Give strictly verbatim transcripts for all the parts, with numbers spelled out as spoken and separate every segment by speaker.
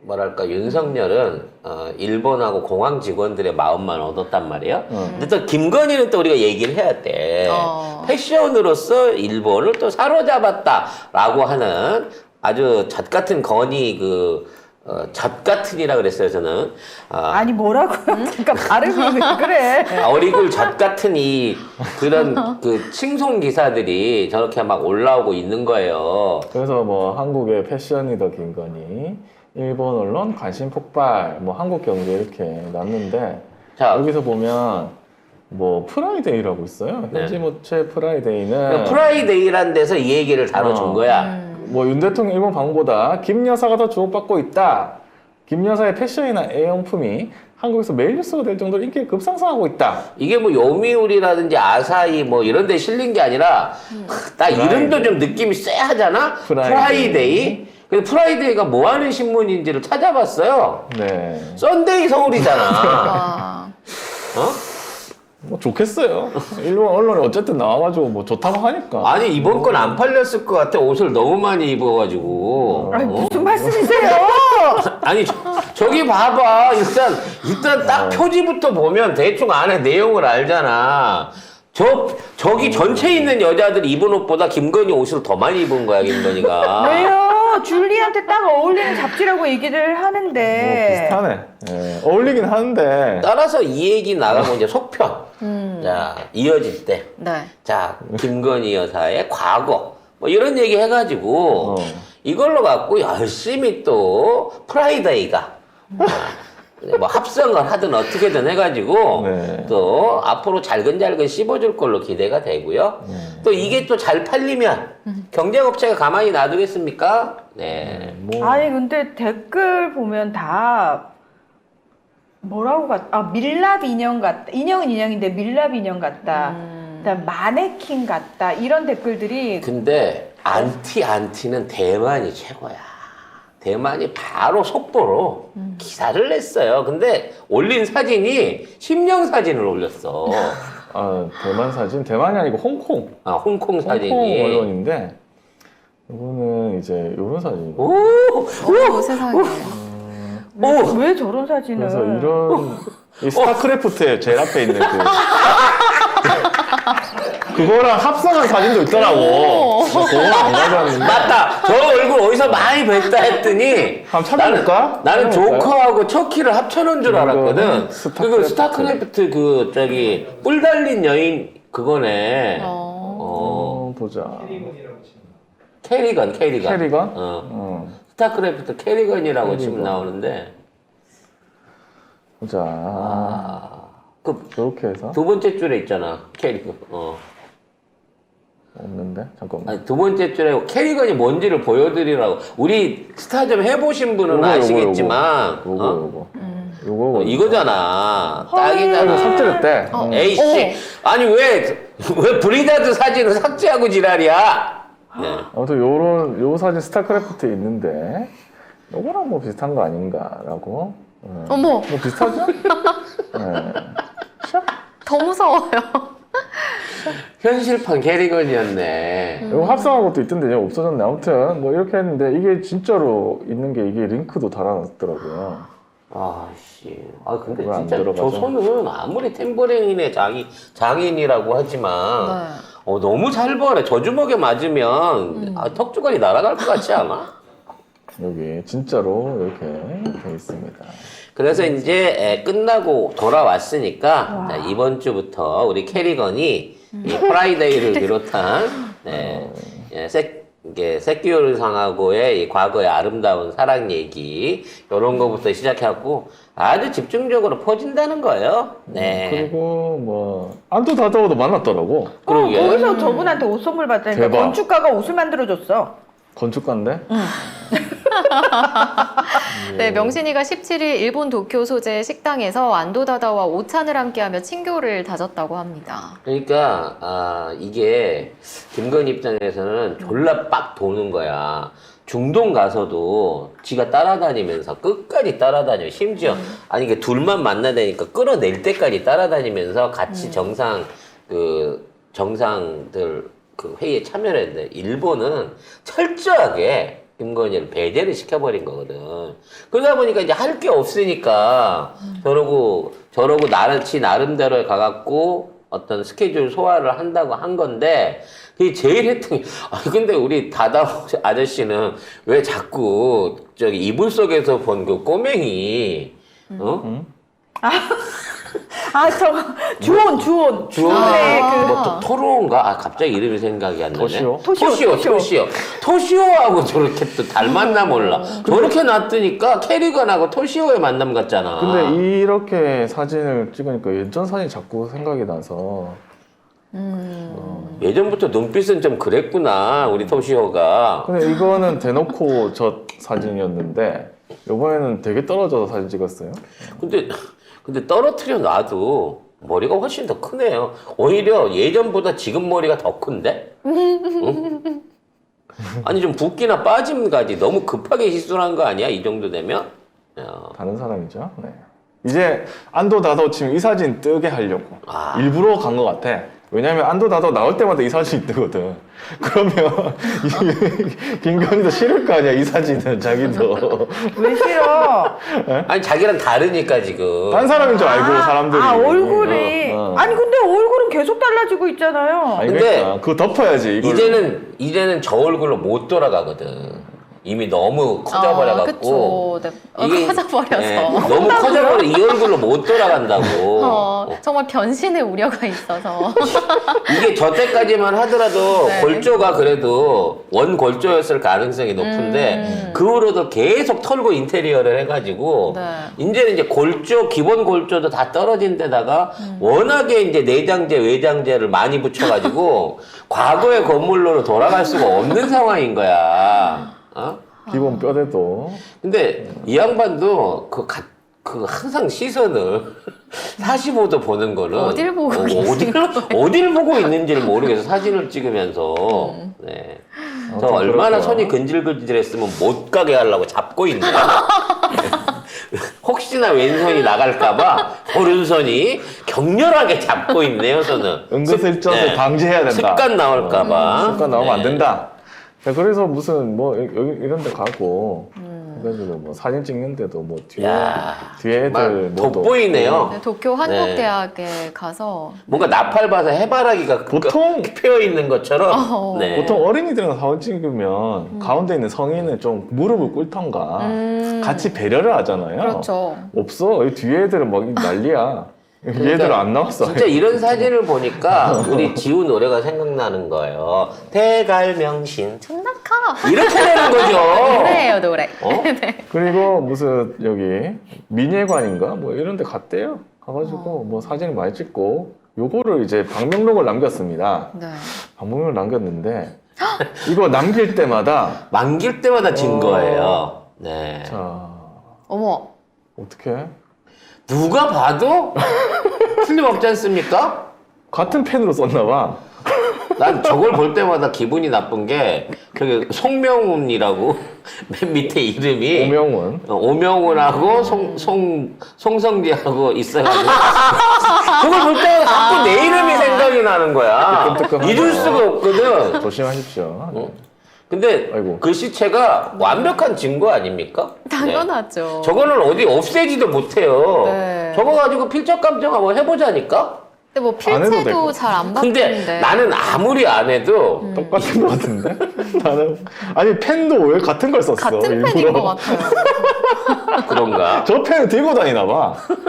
Speaker 1: 뭐랄까 윤석열은 어, 일본하고 공항 직원들의 마음만 얻었단 말이에요.
Speaker 2: 음.
Speaker 1: 근데 또 김건희는 또 우리가 얘기를 해야 돼.
Speaker 3: 어.
Speaker 1: 패션으로서 일본을 또 사로잡았다라고 하는 아주 젖 같은 건이 그 어, 젖 같은이라 그랬어요 저는. 아,
Speaker 2: 아니 뭐라고요? 그러니까 발음이 왜 그래?
Speaker 1: 어리굴 젖 같은 이 그런 그 칭송 기사들이 저렇게 막 올라오고 있는 거예요.
Speaker 4: 그래서 뭐 한국의 패션이더 김건희, 일본 언론 관심 폭발, 뭐 한국 경제 이렇게 났는데
Speaker 1: 자,
Speaker 4: 여기서 보면 뭐 프라이데이라고 있어요.
Speaker 1: 네.
Speaker 4: 현지모체 프라이데이는
Speaker 1: 그러니까 프라이데이란 데서 이 얘기를 다뤄준
Speaker 4: 어.
Speaker 1: 거야.
Speaker 4: 뭐 윤 대통령 일본 방문보다 김 여사가 더 주목받고 있다. 김 여사의 패션이나 애용품이 한국에서 메일 뉴스가 될 정도로 인기가 급상승하고 있다.
Speaker 1: 이게 뭐 요미우리라든지 아사히 뭐 이런 데 실린 게 아니라 나 이름도 좀 느낌이 쎄하잖아?
Speaker 4: 프라이데이.
Speaker 1: 프라이데이. 근데 프라이데이가 뭐 하는 신문인지를 찾아봤어요.
Speaker 4: 네.
Speaker 1: 썬데이 서울이잖아.
Speaker 3: 아.
Speaker 1: 어?
Speaker 4: 뭐 좋겠어요. 일본 언론이 어쨌든 나와가지고 뭐 좋다고 하니까.
Speaker 1: 아니 이번 건 안 팔렸을 것 같아. 옷을 너무 많이 입어가지고.
Speaker 2: 아니
Speaker 1: 어?
Speaker 2: 무슨 말씀이세요?
Speaker 1: 아니 저, 저기 봐봐. 일단 일단 딱 표지부터 보면 대충 안에 내용을 알잖아. 저 저기 전체 있는 여자들이 입은 옷보다 김건희 옷을 더 많이 입은 거야 김건희가.
Speaker 2: 왜요? 줄리한테 딱 어울리는 잡지라고 얘기를
Speaker 4: 뭐
Speaker 2: 하는데.
Speaker 4: 비슷하네. 예, 어울리긴 하는데.
Speaker 1: 따라서 이 얘기 나가고 이제 속편.
Speaker 3: 음.
Speaker 1: 자 이어질 때.
Speaker 3: 네.
Speaker 1: 자 김건희 여사의 과거 뭐 이런 얘기 해가지고
Speaker 4: 어.
Speaker 1: 이걸로 갖고 열심히 또 프라이데이가 아, 뭐 합성을 하든 어떻게든 해가지고
Speaker 4: 네.
Speaker 1: 또 앞으로 잘근잘근 씹어줄 걸로 기대가 되고요.
Speaker 4: 네.
Speaker 1: 또 이게 또 잘 팔리면 경쟁업체가 가만히 놔두겠습니까? 네.
Speaker 4: 뭐
Speaker 2: 아니 근데 댓글 보면 다 뭐라고 같? 아 밀랍 인형 같다. 인형은 인형인데 밀랍 인형 같다.
Speaker 3: 음.
Speaker 2: 그다음 마네킹 같다. 이런 댓글들이
Speaker 1: 근데 안티 안티는 대만이 최고야. 대만이 바로 속보로 기사를 냈어요. 근데 올린 사진이 심령 사진을 올렸어.
Speaker 4: 아, 대만 사진? 대만이 아니고 홍콩.
Speaker 1: 아, 홍콩 사진이.
Speaker 4: 홍콩 언론인데 이거는 이제 이런 사진이고.
Speaker 1: 오,
Speaker 3: 오, 세상에.
Speaker 2: 왜,
Speaker 1: 오.
Speaker 2: 왜 저런 사진을?
Speaker 4: 그래서 이런 이 스타크래프트에 제일 앞에 있는 그 그거랑 합성한 사진도 있더라고. 그거는 안 가져왔는데.
Speaker 1: 맞다. 저 얼굴 어디서 많이 뵀다 했더니
Speaker 4: 한번 찾아볼까?
Speaker 1: 나는, 나는
Speaker 4: 찾아볼까요?
Speaker 1: 조커하고 척키를 합쳐놓은 줄 알았거든.
Speaker 4: 이거는
Speaker 1: 그거
Speaker 4: 스타크래프트.
Speaker 1: 스타크래프트 그 저기 뿔 달린 여인 그거네.
Speaker 3: 어.
Speaker 1: 어.
Speaker 4: 어, 보자.
Speaker 1: 캐리건, 캐리건.
Speaker 4: 캐리건?
Speaker 1: 어.
Speaker 4: 어,
Speaker 1: 스타크래프트 캐리건이라고
Speaker 4: 캐리건.
Speaker 1: 지금 나오는데.
Speaker 4: 보자.
Speaker 1: 아. 그
Speaker 4: 이렇게 해서
Speaker 1: 두 번째 줄에 있잖아. 캐리건. 어.
Speaker 4: 없는데 잠깐만.
Speaker 1: 아니, 두 번째 줄에 캐리건이 뭔지를 보여드리라고. 우리 스타 좀 해보신 분은
Speaker 4: 요거, 요거,
Speaker 1: 아시겠지만.
Speaker 4: 요거
Speaker 1: 어?
Speaker 4: 요거 요거
Speaker 1: 어, 이거잖아.
Speaker 4: 이거
Speaker 1: 딱이잖아.
Speaker 4: 삭제됐대.
Speaker 3: 어.
Speaker 4: 응.
Speaker 1: 에이씨. 아니, 왜, 왜 브리다드 사진을 삭제하고 지랄이야? 네.
Speaker 4: 아무튼 요런 요 사진 스타크래프트에 있는데 요거랑 뭐 비슷한 거 아닌가라고. 어.
Speaker 3: 어머,
Speaker 4: 뭐 비슷하죠? 네.
Speaker 3: 더 무서워요.
Speaker 1: 현실판 캐리건이었네.
Speaker 4: 이거 합성한 것도 있던데 이제 없어졌네. 아무튼 뭐 이렇게 했는데 이게 진짜로 있는 게 이게 링크도 달아놨더라고요.
Speaker 1: 아씨. 아, 근데
Speaker 4: 왜안
Speaker 1: 진짜
Speaker 4: 들어가죠?
Speaker 1: 저 손은 아무리 탬버린의 장인, 장인이라고 하지만.
Speaker 3: 네.
Speaker 1: 어, 너무 잘 벌어. 저 주먹에 맞으면 아, 턱주걱이 날아갈 것 같지 않아?
Speaker 4: 여기 진짜로 이렇게 돼 있습니다.
Speaker 1: 그래서 이제 에, 끝나고 돌아왔으니까 자, 이번 주부터 우리 캐리건이 이 프라이데이를 비롯한 네, 예, 세, 이게 새끼요리상하고의 이 과거의 아름다운 사랑 얘기 이런 거부터 시작해갖고 아주 집중적으로 퍼진다는 거예요. 네.
Speaker 4: 그리고 뭐 안도 다다오도 만났더라고.
Speaker 2: 어,
Speaker 1: 그러게.
Speaker 2: 거기서 저분한테 옷 선물 받다니까
Speaker 4: 대박.
Speaker 2: 건축가가 옷을 만들어줬어.
Speaker 4: 건축가인데?
Speaker 3: 네, 명신이가 십칠 일 일본 도쿄 소재 식당에서 안도다다와 오찬을 함께하며 친교를 다졌다고 합니다.
Speaker 1: 그러니까 아 이게 김건희 입장에서는 졸라 빡 도는 거야. 중동 가서도 지가 따라다니면서 끝까지 따라다녀. 심지어 아니 이게 둘만 만나다니까 끌어낼 때까지 따라다니면서 같이 정상 그 정상들 그 회의에 참여를 했는데 일본은 철저하게 김건희를 배제를 시켜버린 거거든. 그러다 보니까 이제 할 게 없으니까 저러고 저러고 나르치 나름대로 가갖고 어떤 스케줄 소화를 한다고 한 건데 그게 제일 했던 게 아 근데 우리 다다 아저씨는 왜 자꾸 저기 이불 속에서 본 그 꼬맹이 어?
Speaker 4: 응?
Speaker 2: 아, 저거 주온, 주온.
Speaker 1: 주원의
Speaker 2: 네, 그
Speaker 1: 뭐 토- 토로인가? 아 갑자기 이름이 생각이 안 나네.
Speaker 4: 토시오?
Speaker 2: 토시오,
Speaker 1: 토시오,
Speaker 2: 토시오.
Speaker 1: 토시오. 토시오하고 저렇게 또 닮았나 몰라. 저렇게 놨더니까 캐리건하고 토시오의 만남 같잖아.
Speaker 4: 근데 이렇게 사진을 찍으니까 예전 사진이 자꾸 생각이 나서
Speaker 3: 음.
Speaker 1: 예전부터 눈빛은 좀 그랬구나 우리 토시오가.
Speaker 4: 근데 이거는 대놓고 저 사진이었는데 이번에는 되게 떨어져서 사진 찍었어요.
Speaker 1: 근데 근데 떨어뜨려 놔도 머리가 훨씬 더 크네요. 오히려 예전보다 지금 머리가 더 큰데? 응? 아니 좀 붓기나 빠짐까지 너무 급하게 시술한 거 아니야? 이 정도 되면? 야.
Speaker 4: 다른 사람이죠. 네. 이제 안도 다도 지금 이 사진 뜨게 하려고
Speaker 1: 아.
Speaker 4: 일부러 간 것 같아. 왜냐면 안도 다도 나올 때마다 이 사진이 뜨거든. 그러면 이- 김건희도 싫을 거 아니야 이 사진은 자기도.
Speaker 2: 왜 싫어?
Speaker 1: 아니 자기랑 다르니까 지금.
Speaker 4: 딴 사람인 줄 알고 사람들이.
Speaker 2: 아, 얼굴이.
Speaker 4: 어, 어.
Speaker 2: 아니, 근데 얼굴은 계속 달라지고 있잖아요.
Speaker 4: 아니
Speaker 1: 근데
Speaker 4: 그러니까 그거 덮어야지. 이걸.
Speaker 1: 이제는 이제는 저 얼굴로 못 돌아가거든. 이미 너무 커져버려갖고.
Speaker 3: 아, 그쵸. 네. 어, 커져버려서.
Speaker 1: 예, 너무 커져버려 이 얼굴로 못 돌아간다고.
Speaker 3: 어, 정말 변신의 우려가 있어서.
Speaker 1: 이게 저때까지만 하더라도
Speaker 3: 네.
Speaker 1: 골조가 그래도 원 골조였을 가능성이 높은데
Speaker 3: 음.
Speaker 1: 그 후로도 계속 털고 인테리어를 해가지고
Speaker 3: 네.
Speaker 1: 이제는 이제 골조 기본 골조도 다 떨어진 데다가
Speaker 3: 음.
Speaker 1: 워낙에 이제 내장재 외장재를 많이 붙여가지고 과거의 건물로 돌아갈 수가 없는 상황인 거야. 어?
Speaker 4: 기본 뼈대도.
Speaker 1: 근데 이 양반도 그, 가, 그 항상 시선을 사십오 도 보는 거는
Speaker 3: 어딜 보고
Speaker 1: 어,
Speaker 3: 계신
Speaker 1: 어딜, 어딜 보고 있는지를 모르겠어 사진을 찍으면서 네. 저
Speaker 4: 아무튼
Speaker 1: 얼마나
Speaker 4: 그럴 거야.
Speaker 1: 손이 근질근질했으면 못 가게 하려고 잡고 있네. 혹시나 왼손이 나갈까봐 오른손이 격렬하게 잡고 있네요 저는.
Speaker 4: 은근슬쩍
Speaker 1: 습- 네.
Speaker 4: 방지해야 된다.
Speaker 1: 습관 나올까봐.
Speaker 4: 어, 습관 나오면 안
Speaker 1: 네.
Speaker 4: 된다. 자, 그래서 무슨 뭐 여기 이런 데 가고
Speaker 3: 음.
Speaker 4: 그래가지고 뭐 사진 찍는데도 뭐 뒤에
Speaker 1: 야,
Speaker 4: 뒤에 애들
Speaker 1: 정말
Speaker 4: 뭐도
Speaker 1: 돋보이네요.
Speaker 3: 네, 도쿄 한국대학에 가서
Speaker 1: 뭔가 나팔 봐서 해바라기가
Speaker 4: 보통
Speaker 1: 펴 있는 것처럼.
Speaker 3: 어.
Speaker 1: 네.
Speaker 4: 보통 어린이들이랑 사진 찍으면 가운데 있는 성인은 좀 무릎을 꿇던가
Speaker 3: 음.
Speaker 4: 같이 배려를 하잖아요.
Speaker 3: 그렇죠.
Speaker 4: 없어. 이 뒤에 애들은 막 난리야. 얘들은 안 나왔어.
Speaker 1: 진짜 이런 사진을 보니까 우리 지우 노래가 생각나는 거예요. 대갈명신
Speaker 3: 존나카.
Speaker 1: 이렇게 되는 거죠.
Speaker 3: 노래예요 노래.
Speaker 1: 어?
Speaker 4: 그리고 무슨 여기 민예관인가 뭐 이런 데 갔대요. 가가지고 뭐 사진을 많이 찍고 요거를 이제 방명록을 남겼습니다.
Speaker 3: 네.
Speaker 4: 방명록을 남겼는데 이거 남길 때마다
Speaker 1: 만길 때마다 진
Speaker 4: 어.
Speaker 1: 거예요. 네.
Speaker 4: 자
Speaker 3: 어머.
Speaker 4: 어떻게
Speaker 1: 누가 봐도 틀림없지 않습니까?
Speaker 4: 같은 펜으로 썼나 봐.
Speaker 1: 난 저걸 볼 때마다 기분이 나쁜 게 그 송명훈이라고 맨 밑에 이름이
Speaker 4: 오명훈.
Speaker 1: 어, 오명훈하고 송, 송, 송성기하고 있어가지고 그걸 볼 때마다 자꾸 내 이름이 생각이 나는 거야.
Speaker 4: 뜨끔뜨끔하죠.
Speaker 1: 잊을 수가 없거든.
Speaker 4: 조심하십시오.
Speaker 1: 어? 근데
Speaker 4: 아이고.
Speaker 1: 그 시체가 완벽한 증거 아닙니까?
Speaker 3: 당연하죠.
Speaker 1: 네. 저거는 어디 없애지도 못해요.
Speaker 3: 네.
Speaker 1: 저거 가지고 필적 감정 한번 해보자니까?
Speaker 3: 근데 뭐
Speaker 4: 안 해도
Speaker 3: 필체도
Speaker 4: 되고.
Speaker 3: 잘 안
Speaker 1: 근데
Speaker 3: 바뀌는데.
Speaker 1: 나는 아무리 안 해도
Speaker 4: 똑같은 것 같은데? 나는 아니 펜도 왜 같은 걸 썼어?
Speaker 3: 같은
Speaker 4: 일부러.
Speaker 3: 펜인 것 같아요.
Speaker 1: 그런가?
Speaker 4: 저 펜을 들고 다니나 봐.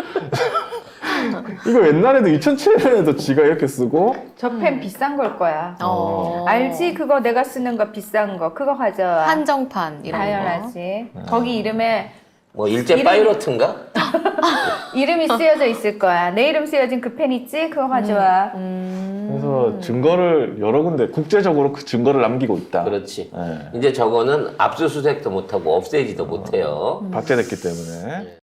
Speaker 4: 이거 옛날에도 이천칠 년에도 지가 이렇게 쓰고
Speaker 2: 저 펜 비싼 걸 거야.
Speaker 3: 어.
Speaker 2: 알지? 그거 내가 쓰는 거 비싼 거. 그거 가져와.
Speaker 3: 한정판 이런 거.
Speaker 2: 당연하지. 거기 이름에
Speaker 1: 뭐 일제
Speaker 2: 이름이-
Speaker 1: 파이로트인가?
Speaker 2: 이름이 쓰여져 있을 거야. 내 이름 쓰여진 그 펜 있지? 그거 가져와.
Speaker 3: 음.
Speaker 4: 그래서 증거를 여러 군데 국제적으로 그 증거를 남기고 있다.
Speaker 1: 그렇지.
Speaker 4: 예.
Speaker 1: 이제 저거는 압수수색도 못하고 없애지도 못해요.
Speaker 4: 박제됐기 때문에.